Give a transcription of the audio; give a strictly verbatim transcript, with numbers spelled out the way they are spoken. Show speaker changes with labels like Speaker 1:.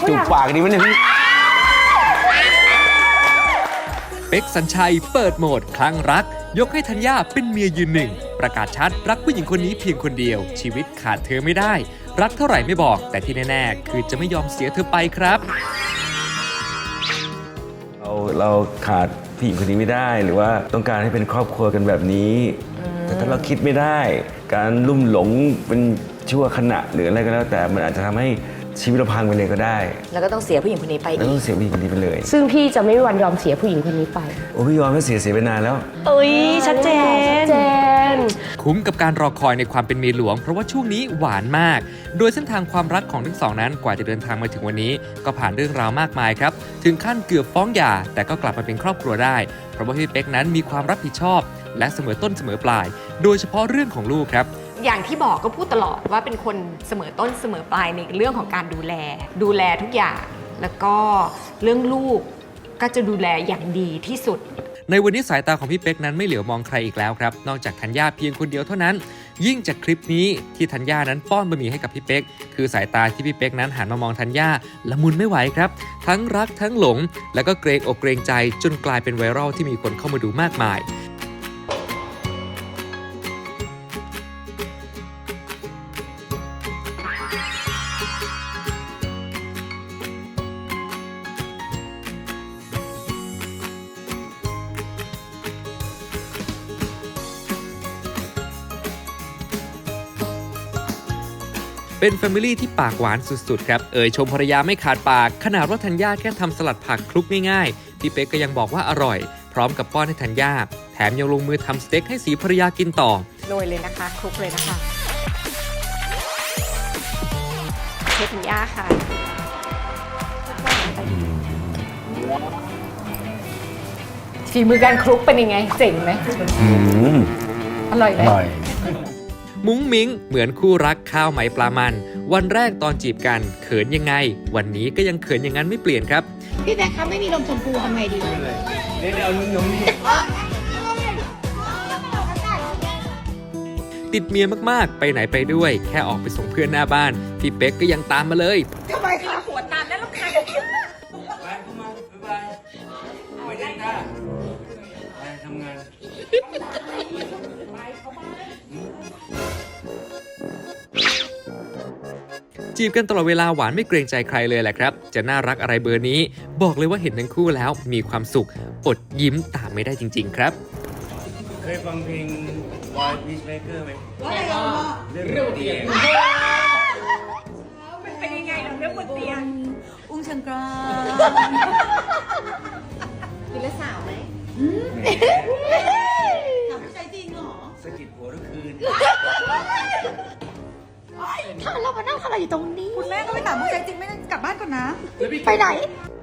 Speaker 1: จูบปากดีมั้ยเนี่ย
Speaker 2: เป๊กสัญชัยเปิดโหมดคลั่งรักยกให้ธัญญาเป็นเมียยืนหนึ่งประกาศชัดรักผู้หญิงคนนี้เพียงคนเดียวชีวิตขาดเธอไม่ได้รักเท่าไหร่ไม่บอกแต่ที่แน่ๆคือจะไม่ยอมเสียเธอไปครับ
Speaker 1: เราเราขาดผู้หญิงคนนี้ไม่ได้หรือว่าต้องการให้เป็นครอบครัวกันแบบนี้แต่ถ้าเราคิดไม่ได้การลุ่มหลงเป็นชั่วขณะหรืออะไรก็แล้วแต่มันอาจจะทำให้ชีวิตเราพังไปเลยก็ได้
Speaker 3: แล้วก็ต้องเสียผู้หญิงคนนี้ไปอีก
Speaker 1: แล้วต้องเสียผู้หญิงคนนี้ไปเลย
Speaker 4: ซึ่งพี่จะไม่มีวันยอมเสียผู้หญิงคนนี้ไป
Speaker 1: โอ้พี่ยอมไม่เสียเสียไปนานแล้ว
Speaker 3: เอ้ยชัดเจน
Speaker 4: เจน
Speaker 2: คุ้มกับการรอคอยในความเป็นเมียหลวงเพราะว่าช่วงนี้หวานมากโดยเส้นทางความรักของทั้งสองนั้นกว่าจะเดินทางมาถึงวันนี้ก็ผ่านเรื่องราวมากมายครับถึงขั้นเกือบฟ้องหย่าแต่ก็กลับมาเป็นครอบครัวได้เพราะว่าพี่เป๊กนั้นมีความรับผิดชอบและเสมอต้นเสมอปลายโดยเฉพาะเรื่องของลูกครับ
Speaker 5: อย่างที่บอกก็พูดตลอดว่าเป็นคนเสมอต้นเสมอปลายในเรื่องของการดูแลดูแลทุกอย่างแล้วก็เรื่องลูกก็จะดูแลอย่างดีที่สุด
Speaker 2: ในวันนี้สายตาของพี่เป๊กนั้นไม่เหลียวมองใครอีกแล้วครับนอกจากธัญญาเพียงคนเดียวเท่านั้นยิ่งจากคลิปนี้ที่ธัญญานั้นป้อนบะหมี่ให้กับพี่เป๊กคือสายตาที่พี่เป๊กนั้นหันมามองธัญญาละมุนไม่ไหวครับทั้งรักทั้งหลงแล้วก็เกรงอกเกรงใจจนกลายเป็นไวรัลที่มีคนเข้ามาดูมากมายเป็นแฟมิลี่ที่ปากหวานสุดๆครับเอ่ยชมภรรยาไม่ขาดปากขนาดว่าธัญญาแค่ทำสลัดผักคลุกง่ายๆพี่เป๊กก็ยังบอกว่าอร่อยพร้อมกับป้อนให้ธัญญาแถมยังลงมือทำสเต็กให้สีภรรยากินต่อ
Speaker 5: โรยเลยนะคะคลุกเลยนะคะเชฟธัญญาค่ะ
Speaker 4: ฝีมือการคลุกเป็นยังไงเจ๋งไหมอร่อยไหม
Speaker 2: มุ้งมิ้งเหมือนคู่รักข้าวไหมปลามันวันแรกตอนจีบกันเขินยังไงวันนี้ก็ยังเขินอย่างนั้นไม่เปลี่ยนครับ
Speaker 6: พี่แบ๊คครับไม่มีนมชมพูทำไงดีเดี๋ยวเอานมนี่
Speaker 2: ติดเมียมากๆไปไหนไปด้วยแค่ออกไปส่งเพื่อนหน้าบ้านพี่เป๊กก็ยังตามมาเลย
Speaker 5: ทำไมคะหัวตามแล้วลูกค้าไปเข้ามาบ๊ายบายไม่ได้ค่ะไปทำงาน
Speaker 2: จีบกันตลอดเวลาหวานไม่เกรงใจใครเลยแหละครับจะน่ารักอะไรเบอร์นี้บอกเลยว่าเห็นทั้งคู่แล้วมีความสุขอดยิ้มตามไม่ได้จริงๆครับ
Speaker 1: เคยฟังเพลง Boy Peacemaker ไหม
Speaker 6: ว่าอะไรอ่ะ
Speaker 1: เรื่องบนเตียง
Speaker 5: มันเป็นยังไงเรื่องบนเตียง
Speaker 6: อุ้งชังกรากินแล้วสาวไหมถามผู้ชายจริงเหรอ
Speaker 1: สะกิดหัวทุกคืน
Speaker 6: ถ้าเรามานั่งอะไรอยู่ตรงนี้
Speaker 5: คุณแม่ก็ไปถามผู้ชายจริงไม่ได้กลับบ้านก่อนนะ
Speaker 6: ไปไหน